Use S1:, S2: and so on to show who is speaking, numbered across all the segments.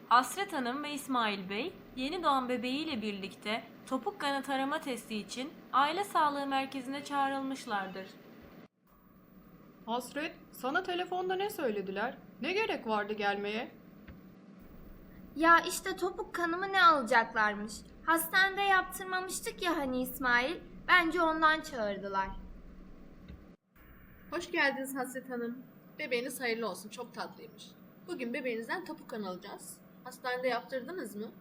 S1: Hasret Hanım ve İsmail Bey yeni doğan bebeğiyle birlikte topuk kanı tarama testi için aile sağlığı merkezine çağrılmışlardır.
S2: Hasret, sana telefonda ne söylediler? Ne gerek vardı gelmeye?
S3: Ya işte topuk kanımı ne alacaklarmış? Hastanede yaptırmamıştık ya hani İsmail. Bence ondan çağırdılar.
S4: Hoş geldiniz Hasret Hanım. Bebeğiniz hayırlı olsun, çok tatlıymış. Bugün bebeğinizden topuk kan alacağız. Hastanede yaptırdınız mı?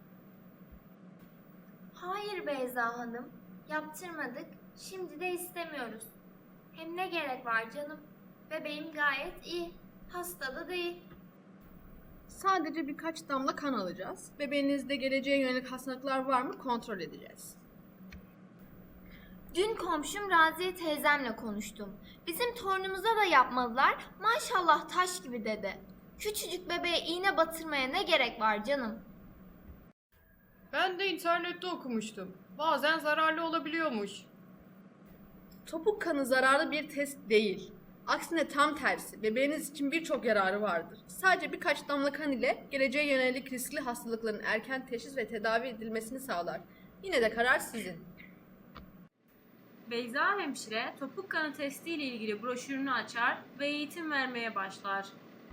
S3: Hayır Beyza Hanım, yaptırmadık. Şimdi de istemiyoruz. Hem ne gerek var canım? Bebeğim gayet iyi. Hasta da değil.
S4: Sadece birkaç damla kan alacağız. Bebeğinizde geleceğe yönelik hastalıklar var mı kontrol edeceğiz.
S3: Dün komşum Raziye teyzemle konuştum. Bizim torunumuza da yapmadılar. Maşallah taş gibi dedi. Küçücük bebeğe iğne batırmaya ne gerek var canım?
S2: Ben de internette okumuştum. Bazen zararlı olabiliyormuş.
S4: Topuk kanı zararlı bir test değil. Aksine tam tersi, bebeğiniz için birçok yararı vardır. Sadece birkaç damla kan ile geleceğe yönelik riskli hastalıkların erken teşhis ve tedavi edilmesini sağlar. Yine de karar sizin.
S1: Beyza hemşire topuk kanı testi ile ilgili broşürünü açar ve eğitim vermeye başlar.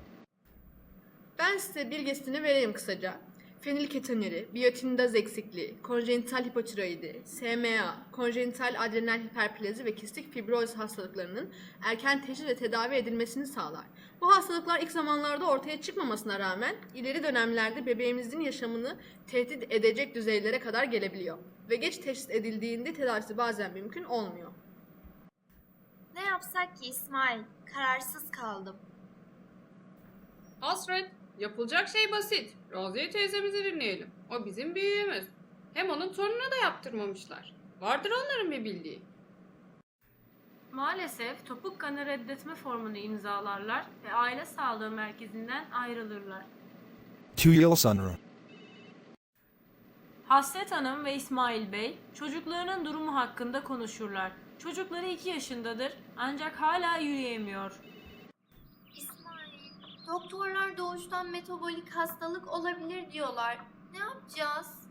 S4: Ben size bilgisini vereyim kısaca. Fenilketonuri, biyotindaz eksikliği, konjenital hipotiroidi, SMA, konjenital adrenal hiperplezi ve kistik fibroz hastalıklarının erken teşhis ve tedavi edilmesini sağlar. Bu hastalıklar ilk zamanlarda ortaya çıkmamasına rağmen ileri dönemlerde bebeğimizin yaşamını tehdit edecek düzeylere kadar gelebiliyor. Ve geç teşhis edildiğinde tedavisi bazen mümkün olmuyor.
S3: Ne yapsak ki İsmail? Kararsız kaldım.
S2: Hasret, yapılacak şey basit. Raziye teyzemizi dinleyelim. O bizim büyüğümüz. Hem onun torununa da yaptırmamışlar. Vardır onların bir bildiği.
S1: Maalesef topuk kanı reddetme formunu imzalarlar ve aile sağlığı merkezinden ayrılırlar.
S5: 2 yıl sonra.
S1: Hasret Hanım ve İsmail Bey çocuklarının durumu hakkında konuşurlar. Çocukları 2 yaşındadır ancak hala yürüyemiyor.
S3: İsmail, doktorlar doğuştan metabolik hastalık olabilir diyorlar. Ne yapacağız?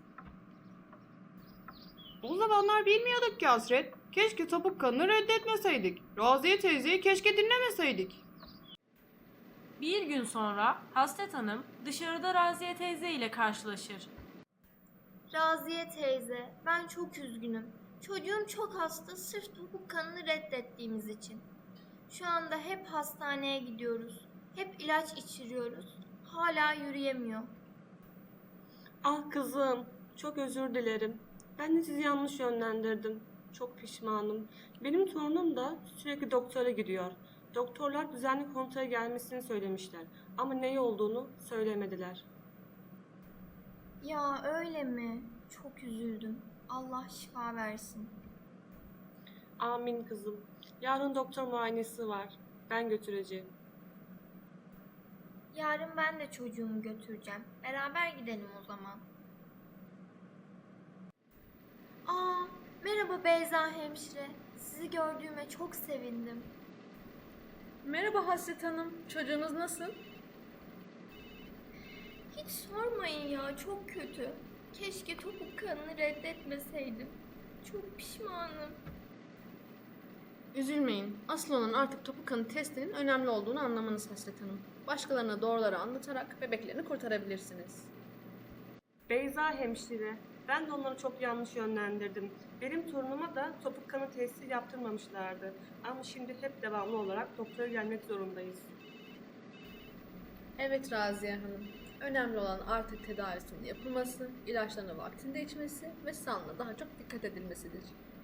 S2: O zamanlar bilmiyorduk ki Hasret. Keşke topuk kanını reddetmeseydik. Raziye teyzeyi keşke dinlemeseydik.
S1: Bir gün sonra Hasret Hanım dışarıda Raziye teyze ile karşılaşır.
S3: Raziye teyze, ben çok üzgünüm. Çocuğum çok hasta sırf topuk kanını reddettiğimiz için. Şu anda hep hastaneye gidiyoruz. Hep ilaç içiriyoruz. Hala yürüyemiyor.
S6: Ah kızım, çok özür dilerim. Ben de sizi yanlış yönlendirdim. Çok pişmanım. Benim torunum da sürekli doktora gidiyor. Doktorlar düzenli kontrole gelmesini söylemişler. Ama ne olduğunu söylemediler.
S3: Ya öyle mi? Çok üzüldüm. Allah şifa versin.
S6: Amin kızım. Yarın doktor muayenesi var. Ben götüreceğim.
S3: Yarın ben de çocuğumu götüreceğim. Beraber gidelim o zaman. Aa, merhaba Beyza hemşire. Sizi gördüğüme çok sevindim.
S4: Merhaba Hasret Hanım, çocuğunuz nasıl?
S3: Hiç sormayın ya, çok kötü. Keşke topuk kanını reddetmeseydim. Çok pişmanım.
S4: Üzülmeyin. Asıl olan artık topuk kanı testinin önemli olduğunu anlamanız Hasret Hanım. Başkalarına doğruları anlatarak bebeklerini kurtarabilirsiniz.
S6: Beyza hemşire, ben de onları çok yanlış yönlendirdim. Benim torunuma da topuk kanı testi yaptırmamışlardı. Ama şimdi hep devamlı olarak doktora gelmek zorundayız.
S4: Evet Raziye Hanım. Önemli olan artık tedavisinin yapılması, ilaçlarını vaktinde içmesi ve sağlığına daha çok dikkat edilmesidir.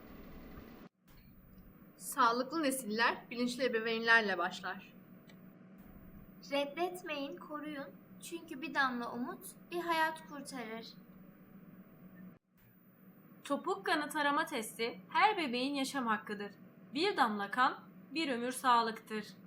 S4: Sağlıklı nesiller bilinçli ebeveynlerle başlar.
S3: Reddetmeyin, koruyun. Çünkü bir damla umut bir hayat kurtarır.
S1: Topuk kanı tarama testi her bebeğin yaşam hakkıdır. Bir damla kan bir ömür sağlıktır.